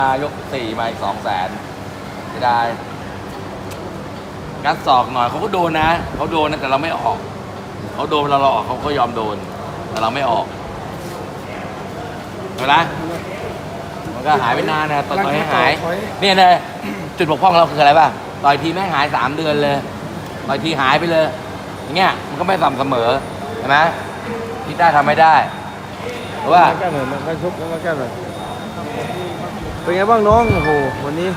ยกสี่มาอีก200,000ไม่ได้งัดศอกหน่อยเขาก็โดนนะเขาโดนนะแต่เราไม่ออกเขาโดนเราออกเขาก็ยอมโดนแต่เราไม่ออกเห็นไหมมันก็หายไปนานนะต่อยให้หายเนี่ยเลยจุดบกพร่องเราคืออะไรป่ะต่อยทีแม่งหาย3 เดือนเลยต่อยทีหายไปเลยอย่างเงี้ยมันก็ไม่สม่ำเสมอเห็นไหมที่ได้ทำไม่ได้เพราะว่าแก้หน่อยมันชกแล้วแก้หน่อยเป็นไงบ้างน้องโอ้โหวันนี้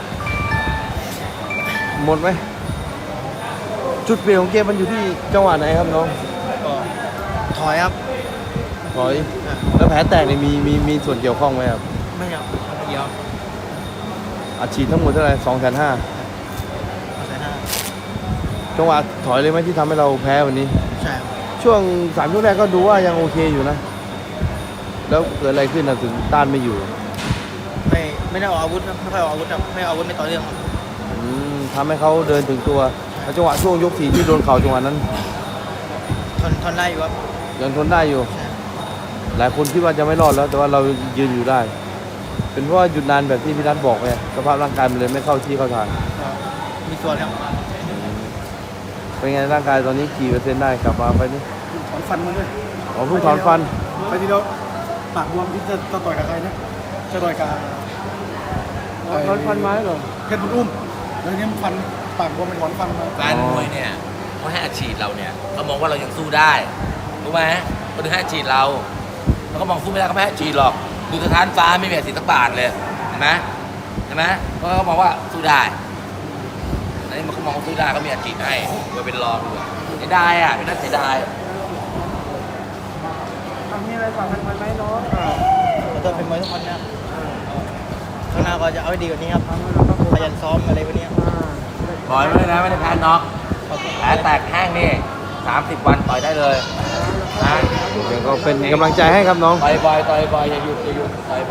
หมดไหมจุดเปลี่ยนของเกมมันอยู่ที่จังหวะไหนครับน้องก็ถอยครับถอยแล้วแผลแตกนี่มีส่วนเกี่ยวข้องไหมครับไม่ครับไม่เดียวอัดฉีดทั้งหมดเท่าไหร่250,000 250,000 จังหวะถอยเลยไหมที่ทำให้เราแพ้วันนี้ใช่ครับช่วง3 ยกแรกก็ดูว่ายังโอเคอยู่นะ แล้วเกิดอะไรขึ้นนะถึงต้านไม่อยู่ไม่ได้ออกอาวุธครับไม่ค่อยออกอาวุธครับไม่ออกอาวุธไม่ต่อเรื่องครับทำให้เขาเดินถึงตัวแล้วจังหวะช่วงยก 4ที่โดนเข่าจังหวะนั้นทนได้อยู่ครับยังทนได้อยู่ใช่หลายคนคิดว่าจะไม่รอดแล้วแต่ว่าเรายืนอยู่ได้ เป็นเพราะว่าหยุดนานแบบที่พี่นัทบอกไงสภาพร่างกายมันเลยไม่เข้าที่เข้าทางก็มีส่วนครับเป็นไงร่างกายตอนนี้กี่เปอร์เซ็นต์ได้กลับมาไปนี่ถอนฟันมาด้วยอ๋อเพิ่งถอนฟันไปทีเดียวปากบวมที่จะต่อยกับใครนะจะต่อยกับถอนฟันไม้เหรอเพชรบุญอุ้มแล้วทีนี้มันฟันปากบวมไปถอนฟันมาแฟนมวยเนี่ยเขาให้อัดฉีดเราเนี่ยเขามองว่าเรายังสู้ได้รู้ไหมเขาถึงให้อัดฉีดเราแล้วก็มองสู้ไม่ได้ก็ไม่ให้อัดฉีดหรอกดูสถานฟ้าไม่มีอัดฉีดสักบาทเลยเห็นไหมเห็นไหมเพราะเขามองว่าสู้ได้อันนี้มันเขามองว่าสู้ได้เขามีอัดฉีดให้มาเป็นรองด้วยเสียดายอ่ะเป็นนักเสียดายมีอะไรฝากกันไหมน้องขอโทษเป็นมวยทุกคนนะครับข้างหน้าก็จะเอาให้ดีกว่านี้ครับขยันซ้อมอะไรพวกนี้ครับต่อยไม่ได้นะไม่ได้แพ้น็อกแผลแตกแห้งนี่30 วันต่อยได้เลยนะเดี๋ยวก็เป็นกำลังใจให้ครับน้องต่อยบ่อยอย่าหยุดต่อย